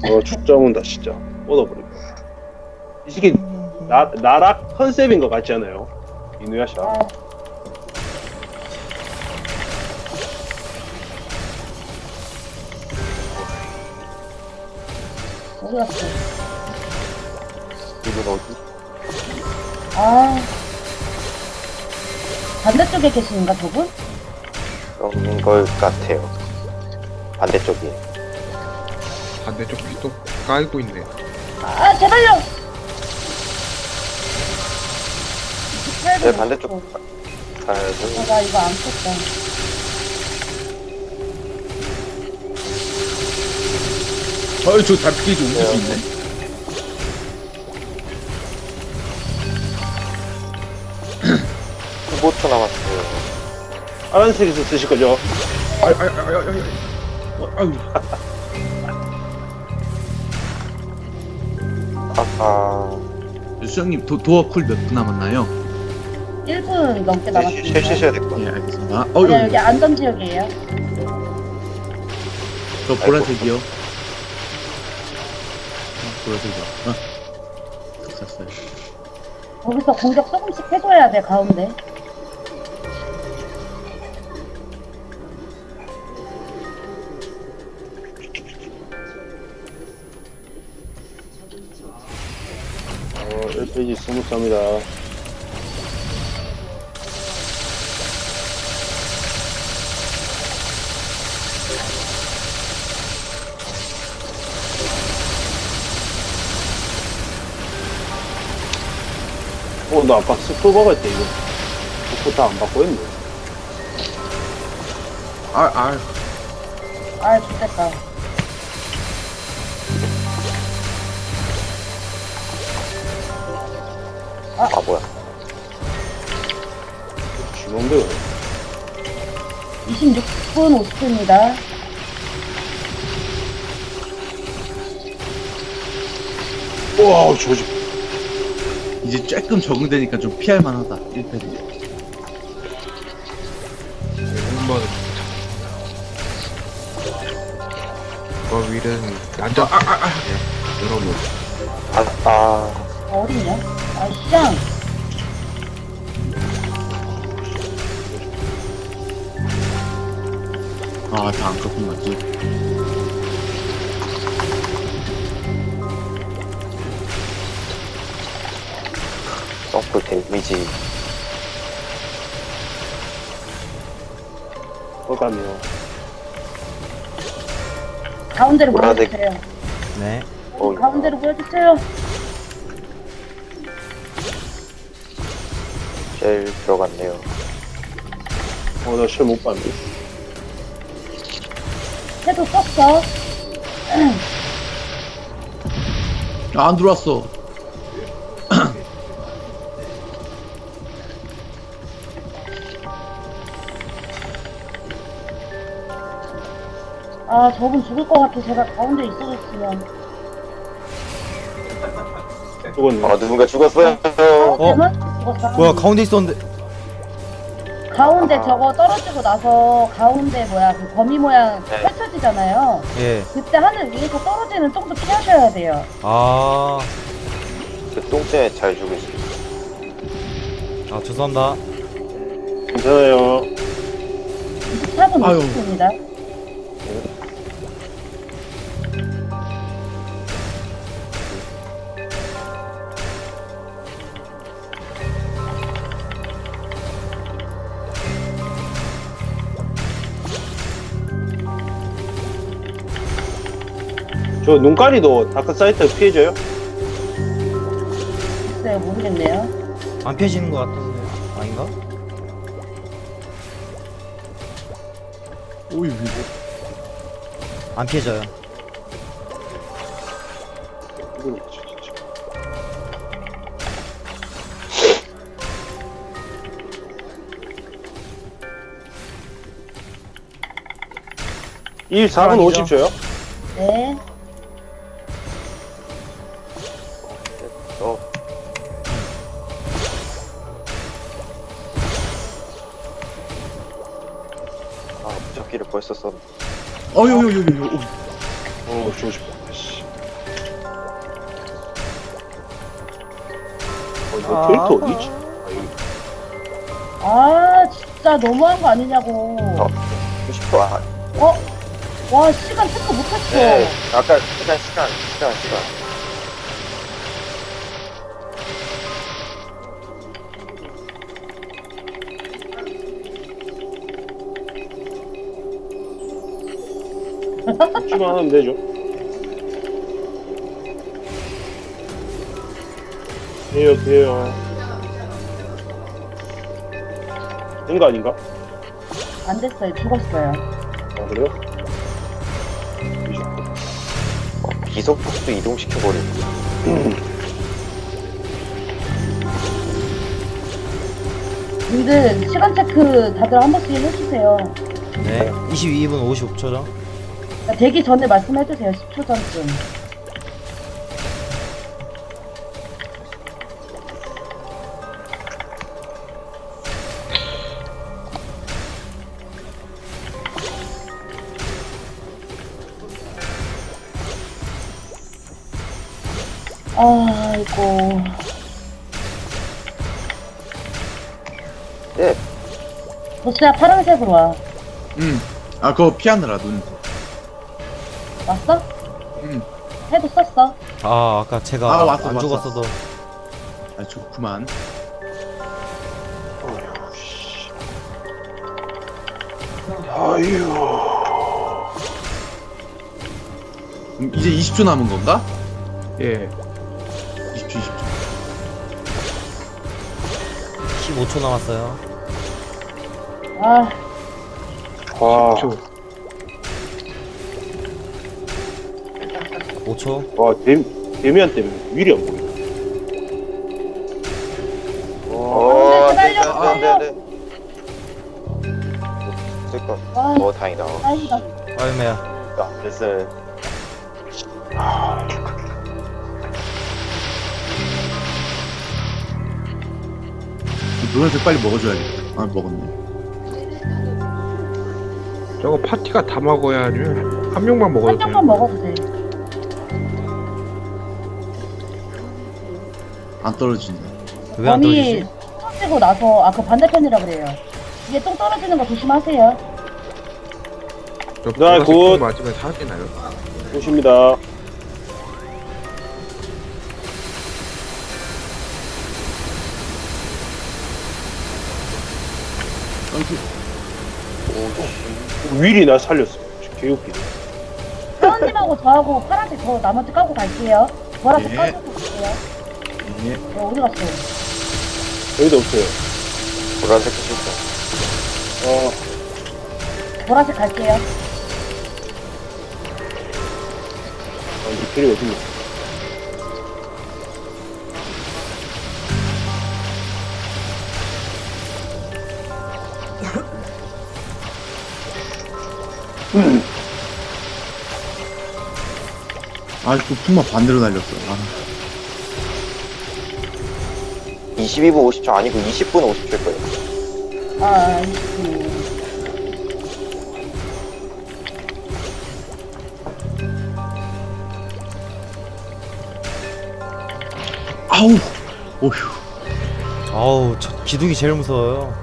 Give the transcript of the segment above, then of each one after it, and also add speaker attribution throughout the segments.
Speaker 1: 죽자 온다 진짜. 뻗어버리고. 이 새끼 나락 컨셉인 것 같지 않아요? 이누야샤.
Speaker 2: 아, 어디 갔어?
Speaker 3: 이분 어디?
Speaker 2: 아, 반대쪽에 계시는가 저분?
Speaker 3: 그런 걸 같아요. 반대쪽이.
Speaker 4: 반대쪽 또 깔고 있네.
Speaker 2: 아, 제발요!
Speaker 3: 네, 반대쪽. 아,
Speaker 2: 나 이거 안 썼다.
Speaker 4: 저 달피기 좀 옮길 수 있네.
Speaker 3: 15초 남았어요.
Speaker 1: 파란색에서 쓰실 거죠?
Speaker 4: 아유.
Speaker 3: 아하.
Speaker 4: 수장님 도어 쿨 몇 분 남았나요?
Speaker 2: 1분 넘게 남았습니다.
Speaker 3: 쉬셔야 될 것 같아요.
Speaker 4: 예, 알겠습니다.
Speaker 2: 아니요, 여기 안전지역이에요.
Speaker 4: 저 보라색이요. 보라색이요. 샀어요.
Speaker 2: 거기서 공격 조금씩 해줘야 돼, 가운데.
Speaker 1: 어, 1페이지 스무스합니다. 나 아까 스쿠버가 했대, 이거. 스쿠버 다안 받고 했네.
Speaker 2: 아, 좋겠다.
Speaker 3: 아, 뭐야.
Speaker 1: 주먹대요.
Speaker 2: 26분 50초입니다.
Speaker 1: 우와, 조지.
Speaker 4: 이제 조금 적응되니까 좀 피할 만하다. 1패는.
Speaker 5: 한번 거위는 난자 여러분
Speaker 2: 어딨냐? 아, 시장!
Speaker 4: 다 안 꺾은 거지.
Speaker 3: 서플 데미지.
Speaker 1: 어감이요.
Speaker 2: 가운데로
Speaker 3: 보라색.
Speaker 2: 보여주세요.
Speaker 6: 네.
Speaker 2: 가운데로 보여주세요.
Speaker 3: 쉘 들어갔네요.
Speaker 1: 나 시험 못 봤네.
Speaker 2: 해도 썼어.
Speaker 4: 안 들어왔어.
Speaker 2: 아, 저분 죽을 것 같아. 제가 가운데 있어줬으면.
Speaker 1: 죽었네.
Speaker 3: 누군가 죽었어요.
Speaker 2: 가운데는? 죽었어.
Speaker 6: 뭐야 가운데 있었는데.
Speaker 2: 가운데 저거 떨어지고 나서 가운데 그 거미 모양
Speaker 3: 네.
Speaker 2: 펼쳐지잖아요.
Speaker 6: 예.
Speaker 2: 그때 하늘 위에서 떨어지는 쪽도 피하셔야 돼요.
Speaker 6: 아,
Speaker 3: 그 똥때문에 잘 죽으시죠.
Speaker 6: 죄송합니다.
Speaker 1: 괜찮아요.
Speaker 2: 24분
Speaker 4: 아유.
Speaker 2: 50초입니다.
Speaker 1: 저 눈가리도 다크사이트 피해줘요?
Speaker 2: 글쎄요, 모르겠네요.
Speaker 6: 안 펴지는 것 같은데 아닌가?
Speaker 4: 오이
Speaker 6: 안 펴져요.
Speaker 1: 이건 진짜. 이 4분 50초요?
Speaker 2: 네.
Speaker 3: 무적기를 벌써 썼.
Speaker 4: 어요요요요.
Speaker 1: 주고 싶다. 씨. 이거 캐릭터 어디지?
Speaker 2: 아 진짜 너무한 거 아니냐고.
Speaker 3: 90%. 아,
Speaker 2: 어? 와 시간 체크 못했어.
Speaker 3: 네. 아까 시간.
Speaker 1: 죽기만 하면 되죠. 돼요. 된 거 아닌가?
Speaker 2: 안 됐어요. 죽었어요.
Speaker 1: 아, 그래요?
Speaker 3: 비속도 이동시켜버리고.
Speaker 2: 님들 시간 체크 다들 한 번씩 해주세요.
Speaker 6: 네. 22분 55초죠.
Speaker 2: 그러니까 되기 전에 말씀해주세요. 10초 전쯤. 아이고.
Speaker 3: 네.
Speaker 2: 보스야 파란색으로 와.
Speaker 4: 아 그거 피하느라 눈.
Speaker 2: 왔어?
Speaker 4: 응.
Speaker 2: 해도 썼어.
Speaker 6: 아 아까 제가
Speaker 4: 아, 왔어,
Speaker 6: 안
Speaker 4: 왔어.
Speaker 6: 죽었어도.
Speaker 4: 아 좋구만. 이제 20초 남은 건가?
Speaker 5: 예.
Speaker 4: 20초.
Speaker 6: 15초 남았어요.
Speaker 2: 아
Speaker 1: 와,
Speaker 5: 10초.
Speaker 6: 5초.
Speaker 1: 와, 데미안 때문에 윌이 안 보여.
Speaker 3: 네. 쓸까?
Speaker 2: 와,
Speaker 3: 다행이다.
Speaker 2: 다행이다.
Speaker 6: 아유매야.
Speaker 3: 야, 됐어요.
Speaker 4: 노란색 빨리 먹어줘야겠다. 아 먹었네.
Speaker 5: 저거 파티가 다 먹어야 아니면 한 명만
Speaker 2: 한
Speaker 5: 먹어도
Speaker 2: 명만 먹어도 돼.
Speaker 4: 안 떨어진다.
Speaker 6: 왜 안
Speaker 2: 범이
Speaker 6: 떨어지지?
Speaker 2: 떨어지고 나서 그 반대편이라 그래요. 이게 똥 떨어지는 거 조심하세요.
Speaker 5: 저
Speaker 1: 네,
Speaker 5: 보라색
Speaker 1: 굿.
Speaker 5: 똥 맞으면 사지나요?
Speaker 1: 보십니다. 윌이 나 살렸어. 개웃기네.
Speaker 2: 사원님하고 저하고 파란색 저 나머지 까고 갈게요. 보라색
Speaker 4: 예.
Speaker 2: 까고 갈게요.
Speaker 4: 예.
Speaker 2: 어디 갔어?
Speaker 1: 여기도 없어요.
Speaker 3: 보라색 실수.
Speaker 2: 보라색 갈게요.
Speaker 1: 이제 필요 어딨냐.
Speaker 4: 아또 품마 반대로 날렸어. 아.
Speaker 3: 22분 50초 아니고 20분 50초일 거예요.
Speaker 2: 아,
Speaker 4: 아우. 오휴.
Speaker 6: 아우 저 기둥이 제일 무서워요.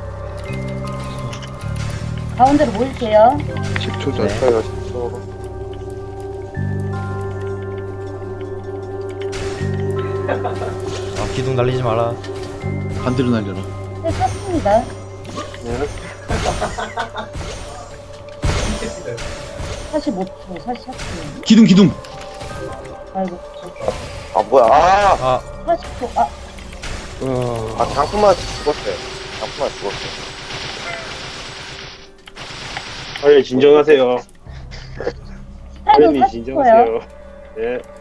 Speaker 2: 가운데로 모일게요.
Speaker 5: 10초 전.
Speaker 6: 네.
Speaker 3: 저희가 10초.
Speaker 6: 아 기둥 날리지 마라.
Speaker 4: 반대로 날려라.
Speaker 2: 네, 썼습니다.
Speaker 1: 네.
Speaker 2: 45초, 44초.
Speaker 4: 기둥.
Speaker 2: 아이고,
Speaker 3: 아, 뭐야.
Speaker 6: 아
Speaker 2: 40초. 아,
Speaker 3: 장품만 죽었어요. 장품만 죽었어요.
Speaker 1: 빨리 진정하세요.
Speaker 2: 타이밍
Speaker 1: 빨리
Speaker 2: 40초요.
Speaker 1: 진정하세요. 네.